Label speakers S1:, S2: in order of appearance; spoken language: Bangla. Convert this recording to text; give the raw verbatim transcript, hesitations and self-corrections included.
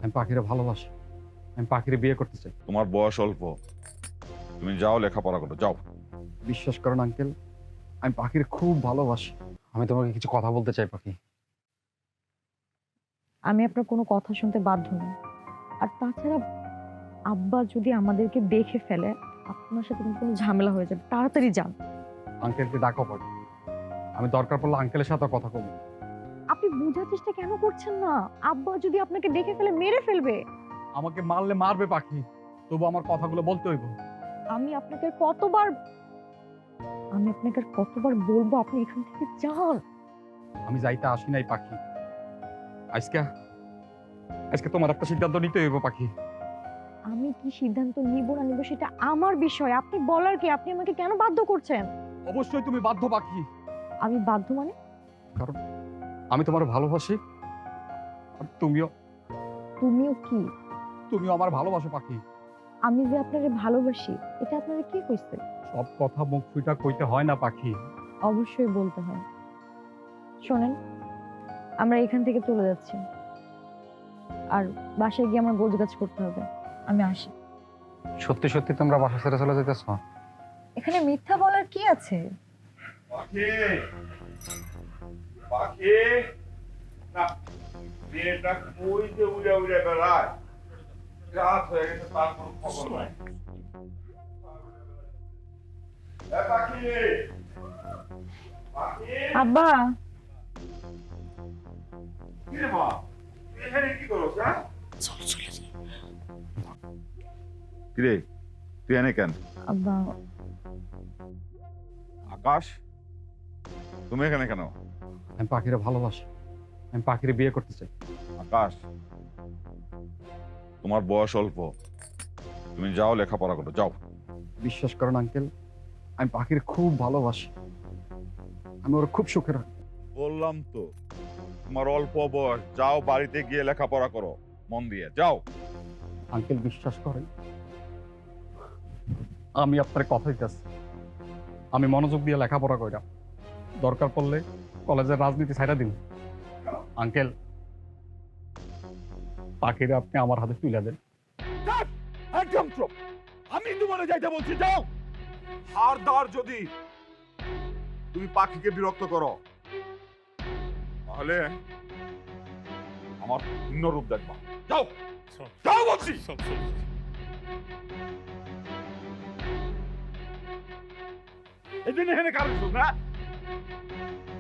S1: আমি পাখিরে ভালোবাসি, আমি পাখিরে বিয়ে করতে চাই।
S2: তোমার বয়স অল্প, তুমি যাও লেখাপড়া করো, যাও।
S1: বিশ্বাস করেন আঙ্কেল, আমি পাখিরে খুব ভালোবাসি। আমি তোমাকে কিছু কথা বলতে চাই পাখি।
S3: আমি আপনার কোনো কথা শুনতে বাধ্য নই। আর তাছাড়া আব্বা যদি আমাদেরকে দেখে ফেলে, আপনার সাথে কিন্তু কোনো ঝামেলা হয়ে যাবে। তাড়াতাড়ি যান।
S1: আঙ্কেলকে ডাকো পাখি, আমি দরকার পড়লে আঙ্কেলের সাথে কথা বলবো।
S3: আপনি বোঝার চেষ্টা কেন করছেন না? আব্বা যদি আপনাকে দেখে ফেলে মেরে ফেলবে।
S1: আমাকে মারলে মারবে পাখি, তবু আমার কথাগুলো বলতে হইব।
S3: আমি আপনাকে কতবার আমি আপনাকে আর কতবার বলবো আপনি এখান থেকে যান।
S1: আমি যাইতে আসি নাই পাখি, আজকে আজকে তোমার একটা সিদ্ধান্ত নিতে হইব পাখি।
S3: আমি কি সিদ্ধান্ত নিব না নিব সেটা আমার বিষয়। আপনি বলার কি? আপনি আমাকে কেন বাধ্য করছেন?
S1: অবশ্যই তুমি বাধ্য পাখি,
S3: আমি বাধ্য মানে?
S1: কারণ আমি তোমার ভালোবাসি, আর তুমিও
S3: তুমিও কি?
S1: তুমিও আমার ভালোবাসো পাখি।
S3: আমি যে আপনারে ভালোবাসি এটা আপনারা কি কইছে?
S1: সব কথা মুখ ফুটা কইতে হয় না পাখি।
S3: অবশ্যই বলতে হয়। শোনেন, আমরা এখান থেকে চলে যাচ্ছি, আর বাসায় গিয়ে আমার গোছগাছ করতে হবে। আমি আসি।
S1: সত্যি সত্যি তোমরা বাসা ছেড়ে চলে যেতেছ?
S3: এখানে মিথ্যা বলার কি আছে?
S2: পাখি, পাখি, না, মেয়েটা কই যে উড়ে উড়ে বেড়ায়, রাত হয়ে গেছে, তার কোনো খবর নাই। এ পাখি, পাখি,
S3: আব্বা,
S2: কি রে মা, তুই এখানে কি করছ? হ্যাঁ, কি রে, তুই এনে কেন?
S3: আব্বা,
S2: আকাশ, তুমি এখানে কেন?
S1: আমি পাখিরে ভালোবাসি, আমি পাখিরে বিয়ে করতে চাই।
S2: আকাশ, তোমার বয়স অল্প, তুমি যাও লেখাপড়া করো, যাও।
S1: বিশ্বাস করেন আঙ্কেল, আমি পাখির খুব ভালোবাসি, আমি ওর খুব সুখে রাখি।
S2: বললাম তো, তোমার অল্প বয়স, যাও বাড়িতে গিয়ে লেখাপড়া করো মন দিয়ে, যাও।
S1: আঙ্কেল বিশ্বাস করেন, আমি আপনার কথা দিতেছি, আমি মনোযোগ দিয়ে লেখাপড়া কইরা দরকার পড়লে কলেজের রাজনীতি ছাইড়া দিন। আঙ্কেল, পাখিরে আপনি আমার হাতে তুলে দেন।
S2: একদম চুপ, আমি তোমারে যাইতে বলছি, যাও। আর দার যদি তুমি পাখিকে বিরক্ত করো, তাহলে আমার ভিন্ন রূপ দেখবা। যাও, যাও বলছি। এই দিন এখানে কারণ না